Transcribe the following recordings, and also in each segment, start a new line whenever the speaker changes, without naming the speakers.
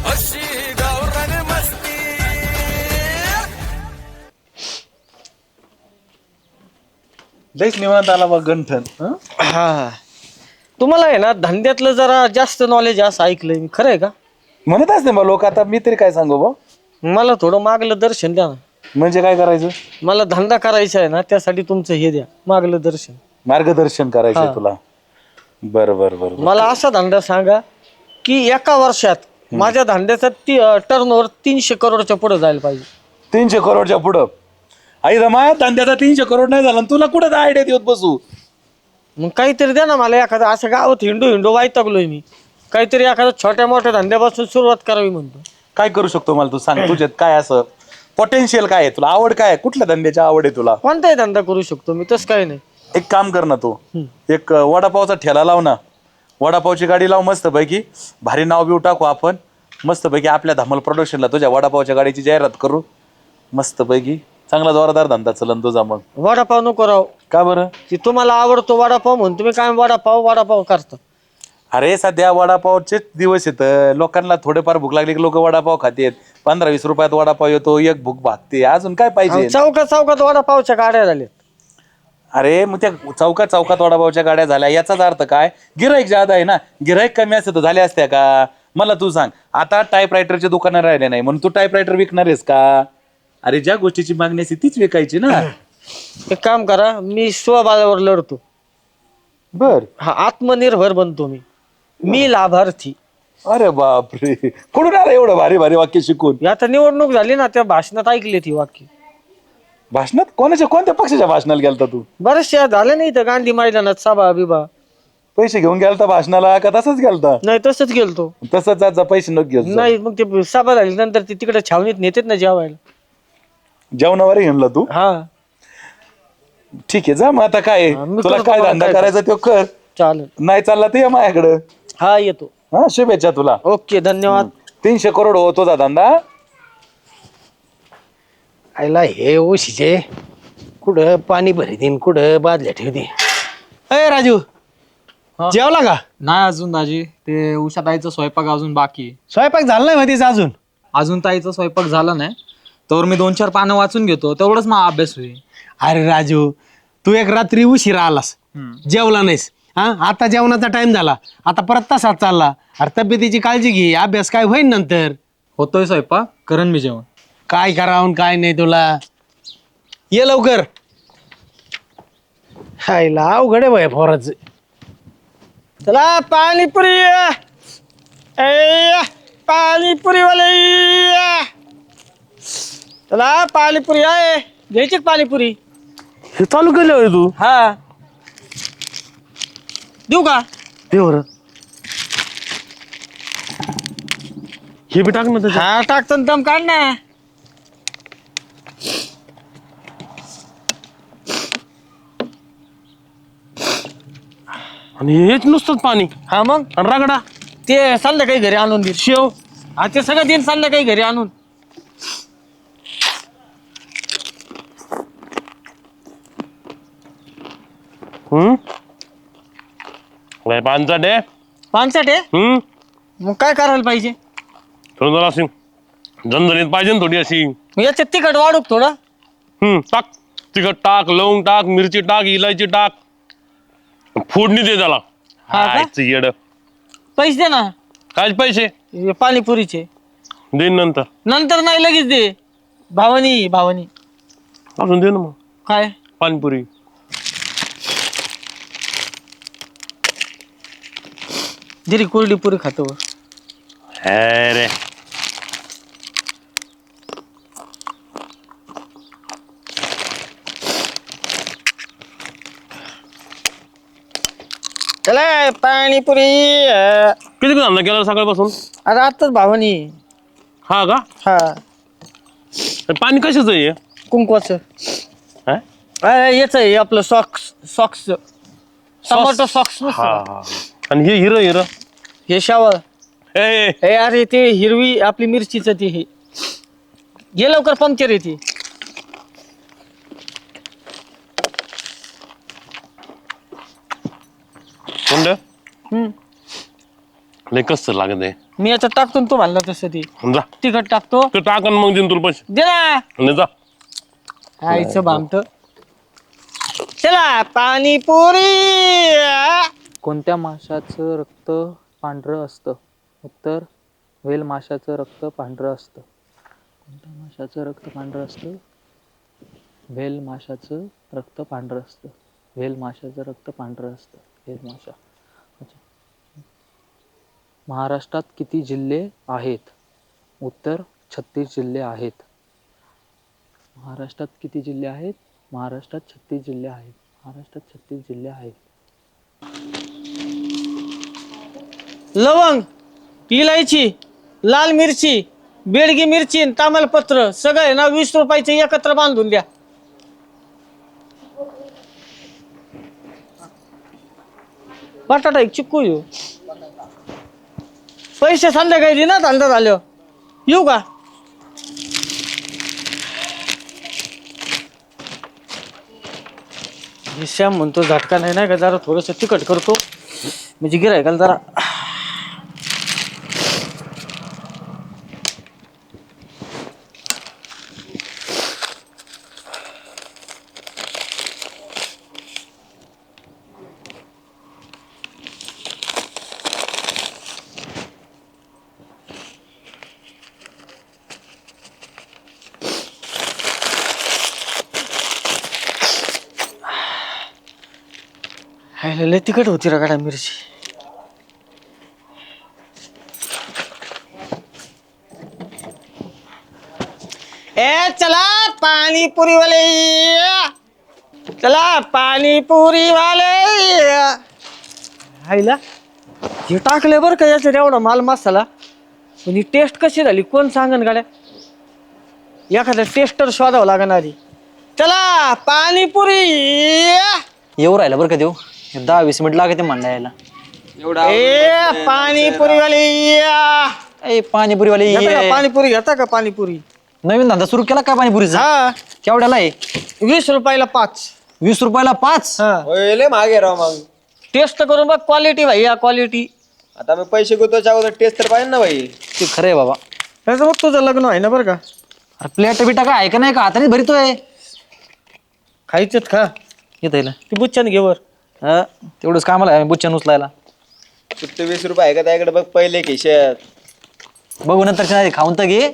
अशी गावरान मस्ती.
लईच निवांत आला बघ गंठन.
हा तुम्हाला आहे ना धंद्यातलं जरा जास्त नॉलेज असं ऐकलंय मी, खरं आहे का?
म्हणतच नाही मग लोक. आता मी तरी काय सांगू बा.
मला थोडं मागलं दर्शन द्या ना.
म्हणजे काय करायचं?
मला धंदा करायचा आहे ना, त्यासाठी तुमचं हे द्या, मागलं दर्शन.
मार्गदर्शन करायचंय
हा.
तुला? बर बर बर.
मला असा धंदा सांगा की एका वर्षात माझ्या धंद्याचा टर्नओव्हर 300 करोडच्या पुढे जायला पाहिजे.
300 करोडच्या पुढं? आई रमाया धंद्याचा 300 करोड नाही झाला, तुला कुठं आयडिया देत बसू?
मग काहीतरी द्या ना मला एखादं. असं गावात हिंडू वैतागलोय मी. काहीतरी एखाद्या छोट्या मोठ्या धंद्यापासून सुरुवात करावी म्हणतो.
काय करू शकतो मला तू सांग. तुझ्यात काय असं पोटेन्शियल काय आहे? तुला आवड काय आहे? कुठल्या धंद्याची आवड आहे तुला?
कोणताही धंदा करू शकतो मी, तसं काही नाही.
एक काम कर ना तू. एक वडापावचा ठेला लाव ना. वडापावची गाडी लाव मस्त पैकी. भारी नाव बिव टाकू आपण मस्त पैकी. आपल्या धमाल प्रोडक्शनला तुझ्या वडापावच्या गाडीची जाहिरात करू मस्त पैकी. चांगला जोरदार धंदा चलन तुझा. मग
वडापाव नको राव.
का बरं?
की तुम्हाला आवडतो वडापाव म्हणून तुम्ही काय वडापाव करता.
अरे सध्या वडापावचेच दिवस येत. लोकांना थोडेफार भूक लागली की लोक वडापाव खातेत. 15-20 रुपयात वडापाव येतो, एक भूक भागते. अजून काय पाहिजे?
चौकात वडापावच्या गाड्या झाल्या.
अरे मग त्या चौकात वडापावच्या गाड्या झाल्या याचाच अर्थ काय? गिराईक ज्यादा आहे ना. गिराईक कमी असते तर झाल्या असत्या का? मला तू सांग. आता टाईपरायटरचे दुकानं राहिले नाही म्हणून तू टाईपरायटर विकणार आहेस का? अरे ज्या गोष्टीची मागणी असते तीच विकायची ना.
एक काम करा, मी स्वबळावर लढतो.
बर.
हा, आत्मनिर्भर बनतो मी लाभार्थी.
अरे बापरे, कुठून आलं एवढं भारी भारी वाक्य शिकून?
आता निवडणूक झाली ना, त्या भाषणात ऐकली ती वाक्य.
भाषणात? कोणत्या पक्षाच्या भाषणाला गेलता तू?
बरेचशा झालं नाही तर गांधी मैदानात सभा बिभा.
पैसे घेऊन गेलता भाषणाला का तसंच गेलता?
नाही तसंच गेलतो.
तसंच आज पैसे नको घेऊन.
नाही मग ते सभा झाली नंतर ते तिकडे छावणीत नेतेत ना जेवायला.
जेवणावर घेऊनला तू?
हा
ठीक आहे जा. मग आता काय
मी
तुला
करतो
काय
मला
धंदा
काय
करायचा तो कर.
चालेल.
नाही चालला ते माझ्याकडं.
हा येतो.
हा शुभेच्छा तुला.
ओके धन्यवाद.
300 करोड हो तुझा धंदा.
आयला हे ओशीचे कुठं पाणी भरतीन, कुठं बादल्या ठेवते. अय राजू, जेवला का?
नाही अजून दाजी. ते उषा ताईचा स्वयंपाक अजून बाकी आहे.
स्वयंपाक झाला नाही माहितीच अजून?
अजून ताईचा स्वयंपाक झाला नाही तर मी 2-4 पानं वाचून घेतो, तेवढंच मग अभ्यास होईल.
अरे राजू, तू एक रात्री उशिरा आलास, जेवला नाहीस. हा, आता जेवणाचा टाइम झाला, आता परत तसाच चालला. अरे तब्येतीची काळजी घे, अभ्यास काय होईन नंतर.
होतोय स्वयंपाक, करण मी जेवण.
काय करावं काय नाही तुला. ये लवकर. हायला अवघड आहे भया फोराचं.
चला पाणीपुरी. पाणीपुरी वाले. चला पाणीपुरी आहे. घ्यायची का पाणीपुरी?
हे चालू केलं होय तू?
हा देऊ का?
ते बरं, हे बी टाक ना त्याच्यात.
हा टाकतो ना, दम काढ ना.
आणि हेच नुसतंच पाणी
हा मग
आणि रगडा.
ते संध्याकाळी घरी आणून दे.
शेव.
हा ते सगळं दिन संध्याकाळी घरी आणून.
काय पानचट आहे?
पानसट आहे. मग काय करायला पाहिजे?
थोडं अशी झणझणीत पाहिजे ना थोडी अशी.
मग याच्यात तिखट वाढू का थोडं?
टाक तिखट टाक, लवंग टाक, मिरची टाक, इलायची टाक, फोडणी दे त्याला.
हा का?
हायचं येड.
पैसे दे ना.
काय पैसे?
हे पाणीपुरीचे.
देईन नंतर.
नंतर नाही लगेच दे. भावानी
अजून दे ना मग.
काय?
पाणीपुरी.
जरी कोरडी पुरी खातो.
अरे
चला पाणीपुरी.
किती धंदा केला सकाळपासून?
अरे आताच भावानी.
हा का?
हा
पाणी कशाचं आहे?
कुंकवाचं.
हा?
याच आहे आपलं सॉक्स टमाटो सॉक्स.
हा हा. आणि हे हिरं
हे शावर.
ए
हे अरे ते हिरवी आपली मिरचीचं ते हे घे लवकर, पंक्चर येते.
कोणतं?
लय कसं लागत आहे
मी याच्यात टाकतो तू म्हणला तसं ती
जा
तिखट टाकतो
तू टाकन मग देईन तुला पैसे
दे ना
आणि जा
आईचं भामट चला पाणीपुरी
कोणत्या माशाचं रक्त पांढरं असतं? उत्तर व्हेल माशाचं रक्त पांढरं असतं. कोणत्या माशाचं रक्त पांढरं असतं? व्हेल माशाचं रक्त पांढरं असतं. व्हेल माशाचं रक्त पांढरं असतं. व्हेल माशा. अच्छा. महाराष्ट्रात किती जिल्हे आहेत? उत्तर 36 जिल्हे आहेत. महाराष्ट्रात किती जिल्हे आहेत? महाराष्ट्रात 36 जिल्हे आहेत. महाराष्ट्रात 36 जिल्हे आहेत.
लवंग, इलायची, लाल मिरची, बेडगी मिरची, तामलपत्र सगळं ना 20 रुपयाचे एकत्र बांधून द्या. बटाटा एक चिक्कू येऊ पैसे संध्याकाळी दे ना धंदा झाल्यावर येऊ का? श्याम म्हणतो झटका नाही का जरा थोडस तिखट करतो म्हणजे गिरायकाला जरा लय तिखट होती रगाडा मिरची. ए चला पाणीपुरी वाले, चला पाणीपुरी वाले. आईला हे टाकले बरं का याच्यात एवढा माल मसाला पण ही टेस्ट कशी झाली कोण सांगन गाड्या? एखादा टेस्टर शोधावं लागणार आधी. चला पाणीपुरी.
येऊ राहिला बरं का देऊ 10-20 मिनिट लागते म्हणला यायला.
ए पाणीपुरी वाले
ए पाणीपुरीवाले
पाणीपुरी घेता का? पाणीपुरी
नवीन धंदा सुरू केला काय पाणीपुरीचा?
हा
केवढ्याला आहे?
20 रुपयाला 5.
20 रुपयाला 5?
हा
मागे राव मग
टेस्ट करून बघ क्वालिटी भाई या क्वालिटी.
आता मी पैसे गुतवायच्या अगोदर टेस्ट तर पाहिजे ना भाई.
ते खरं आहे बाबा.
त्याचं बघ तुझं लग्न आहे ना बरं का?
अरे प्लेट बिटा काय आहे का नाही का हाताने भरितोय?
खायचेत खा
येत येईल
ती बुच्चन घेवर.
तेवढंच कामाला आहे बुच्चन उचलायला.
सुट्टे 20 रुपये आहे का त्याकडे बघ पहिले खिशात.
बघू नंतरच्या नाही खाऊन तर घे.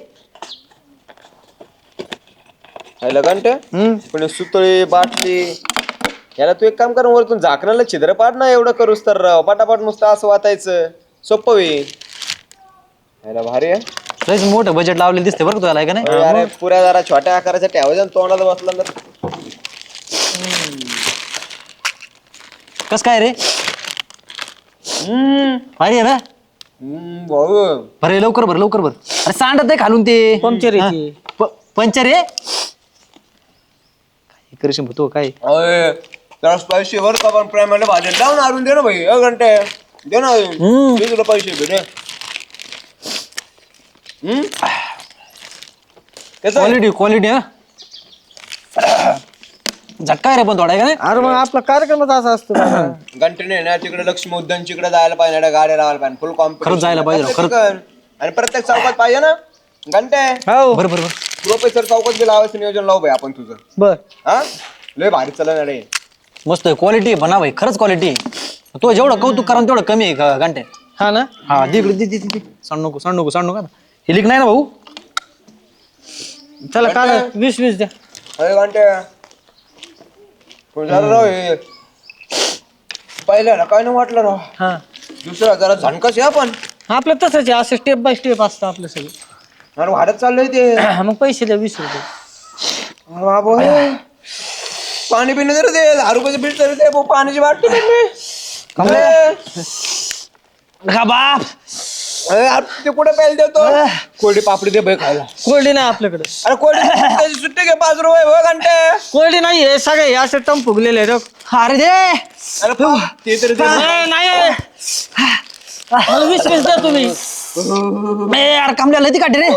घंटे पण सुतळी बाटली याला तू एक काम कर वरतून झाकणाला छिद्र पाड ना. एवढं करूस तर राव पटापट नुसतं असं वाचायचं सोपं होईल. याला भारी आहे.
लयच मोठं बजेट लावलेलं दिसते बरं का तुला आहे का नाही?
अरे पुऱ्या जरा छोट्या आकाराच्या ठेवायच्या तोंडाला बसला तर
कस काय रे? भारी आहे ना?
भाऊ
भरे लवकर भर लवकर भर. अरे सांडत आहे खालून ते
पंक्चर येते.
पंचर आहे काय करशील तो काय?
जरा पैसे वर का पण प्रेमाने भाज्या लावून आणून दे ना भाई. घंटे दे ना मी तुला पैसे भेटे.
क्वालिटी क्वालिटी हा झटका रे पण थोडा आहे का नाही?
अरे मग आपला कार्यक्रमच असा असतो ना.
घंटेने ना तिकडे लक्ष्मी उद्यानच्याकडे जायला पाहिजे गाड्या लावायला पाहिजे फुल कॉम्पिटिशन.
खरंच जायला पाहिजे, खरंच.
आणि प्रत्येक चौकात पाहिजे ना घंटे.
हो
बरं बरं बरं.
प्रोफेसर चौकात बी लावायचं नियोजन लावू भाई आपण तुझं.
बर
हा लय भारी चालणार आहे.
मस्त आहे क्वालिटी म्हणा भाई खरंच क्वालिटी. तो जेवढं कौतुक करा तेवढं कमी आहे घंटे.
हा ना.
हा दे इकडे दे सांड नको सांड नको सांड नको. हे लिक नाही ना भाऊ?
चला काढ 20 द्या.
अरे घंटे झालं राव हे पहिल्याला काय नाही वाटलं राव.
हा
दुसरा जरा झणकस आहे आपण.
आपलं तसंच आहे असं स्टेप बाय स्टेप असतं आपलं सगळं.
अरे वाढत चाललंय ते.
मग पैसे द्या 20 रुपये.
बाबा पाणी पिणं जर दे 10 रुपयाचं बिल तरी दे. पाण्याची बाटली
का बाप
ते कुठे प्यायला देतो. कोरडी पापडी दे भाई खायला.
कोल्डी नाही आपल्याकडे.
अरे कोरडी सुट्टी घे 5 रुपये हो घंटे.
कोल्डी नाही हे सगळे हे असे टम फुगलेले आहेत.
अरे दे
अरे ते तरी दे.
नाही 20 द्या तुम्ही.
यार कामल्याला ती काढे रे.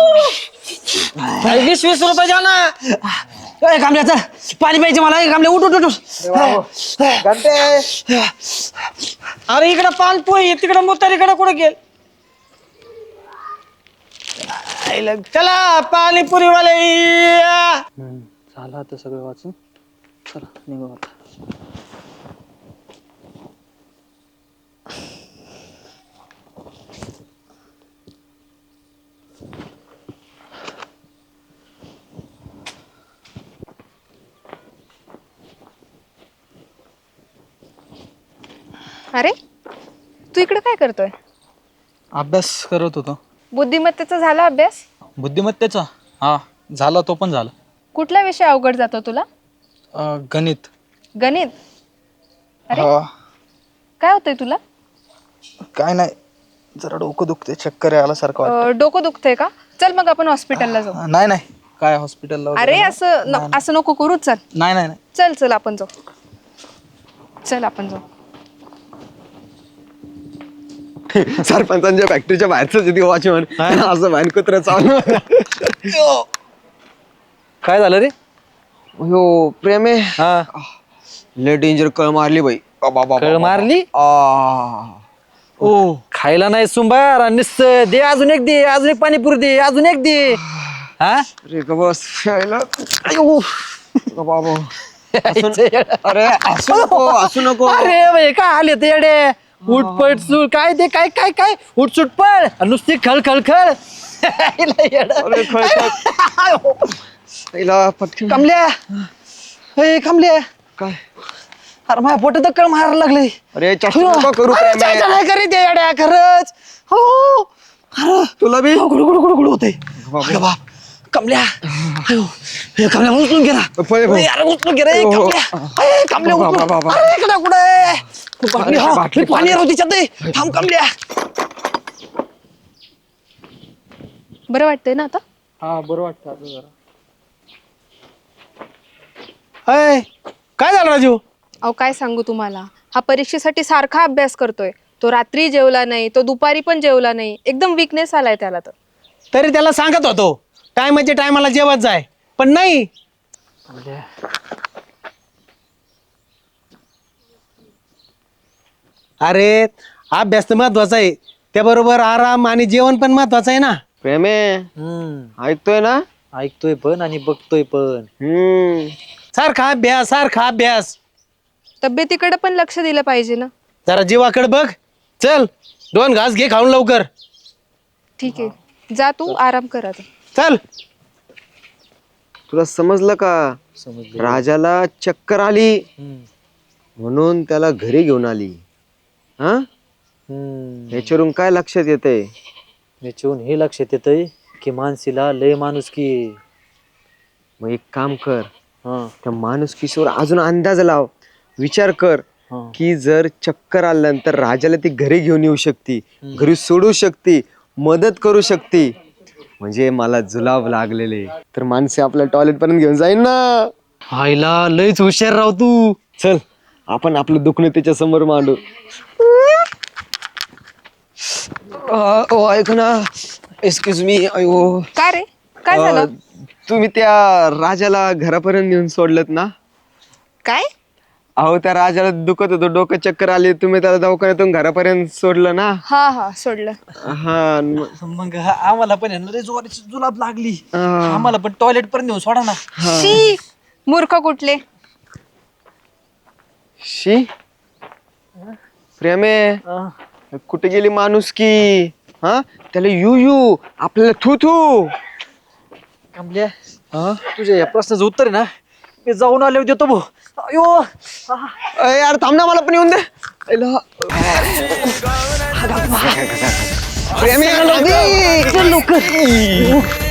20 रुपये द्या ना.
कामल्या चल पाणी प्यायचे मला. कामल्या उठ उठ उठ.
घंटे
अरे इकडं पानपोई तिकडं मुतारीकडे कुठं गेल चला पाणीपुरीवाले या.
झालं आता सगळं वाचून. चला निघू आता.
अरे तू इकडे काय करतोय?
अभ्यास करत होतो.
बुद्धिमत्तेचा झाला अभ्यास?
बुद्धिमत्तेचा? हा झाला, तो पण झाला.
कुठला विषय अवघड जातो तुला?
गणित.
गणित? अरे काय होतंय तुला?
काय नाही, जरा डोकं दुखते, चक्कर आल्यासारखं.
डोकं दुखतंय का? चल मग आपण हॉस्पिटलला जाऊ.
नाही नाही, काय हॉस्पिटलला?
अरे असं नको करू. चल
नाही नाही नाही.
चल चल आपण जाऊ. चल आपण जाऊ.
सरपंचांच्या फॅक्टरीच्या बाहेरच वॉचमन असं बाहेर कुत्र चालू.
काय झालं रे?
हो प्रेम आहे. लय डेंजर कळ मारली बाई.
कळ मारली?
ओ
खायला नाही सुंबार निश्चय दे, अजून एक दे, अजून एक पाणीपुरी दे, अजून एक दे. हा
अरे का बस बाबा. अरे असू नको.
अरे बाई काय आले ते येडे. उठपट सूळ काय ते काय काय काय उठसूट पळ नुसती खळ खळ खळ.
अरे पटकन
कमल्या, हे कमल्या
काय?
अरे माझ्या पोटात कळ मारायला लागले.
अरे चष्मा नको करू
अरे,
प्रेम आहे.
चाचा नाही करीत आहे येड्या, खरंच. हो अरे
तुला बी
गुडू गुडू गुडू गुडू होते. अरे बाप कमल्या, अयो, हे कमल्या उचलून गेला.
पळे भाऊ.
अरे उचलून गे रे
हो.
कमल्या. अरे, कमल्या
बाबा,
उचलून.
बाबा.
अरे इकडे कुठे पाणी, हा,
बाटली,
पाणी राहू तिच्यात दे. थांब कमल्या.
बरं वाटतंय ना आता?
हा बरं वाटतं आता जरा.
अय काय झालं राजू?
अहो काय सांगू तुम्हाला, हा परीक्षेसाठी सारखा अभ्यास करतोय. तो रात्री जेवला नाही, तो दुपारी पण जेवला नाही. एकदम विकनेस आलाय त्याला. तर
तरी त्याला सांगत होतो टायमाच्या टायमाला जेवत जाय, पण नाही. अरे अभ्यास तर महत्वाचा आहे, त्याबरोबर आराम आणि जेवण पण महत्वाचं आहे ना.
प्रेम आहे. ऐकतोय ना?
ऐकतोय पण आणि बघतोय पण.
सारखा अभ्यास सारखा अभ्यास.
तब्येतीकडे पण लक्ष दिलं पाहिजे ना.
जरा जीवाकडे बघ. चल 2 घास घे खाऊन लवकर.
ठीक आहे, जा तू आराम कर आता.
चल.
तुला समजलं का? राजाला चक्कर आली म्हणून त्याला घरी घेऊन आली. हा याच्यावरून काय लक्षात येतंय?
याच्याहून हे लक्षात येतंय की मानसीला लय माणूस की.
मग एक काम कर, त्या माणुसकीवर अजून अंदाज लाव. विचार कर की जर चक्कर आल्यानंतर राजाला ती घरी घेऊन येऊ शकते, घरी सोडू शकते, मदत करू शकते. म्हणजे मला जुलाब लागलेले तर माणसे आपल्या टॉयलेट पर्यंत घेऊन जाईन ना.
आईला लयच हुशार राव तू.
चल आपण आपलं दुखणं त्याच्या समोर मांडू. ओ ऐक ना, एक्सक्यूज मी. अयो
काय रे, काय झालं?
तुम्ही त्या राजाला घरापर्यंत नेऊन सोडलत ना?
काय?
अहो त्या राजाला दुखत होतं, डोकं चक्कर आली, तुम्ही त्याला दवाखान्यातून घरापर्यंत सोडलं ना?
हा हा सोडलं.
हा
मग आम्हाला पण लय जोराची जुलाब लागली. आम्हाला पण टॉयलेट पर्यंत नेऊन सोडा ना.
शी मूर्ख कुठले.
शी प्रेमे, कुठे गेली माणूस की? हा त्याला यू यू, आपल्याला थू थू.
कमल्या, तुझ्या या प्रश्नाचं उत्तर आहे ना मी जाऊन आले देतो भाऊ. अयो
यार थांब ना, मला पण येऊन दे. प्रेमे
लवकर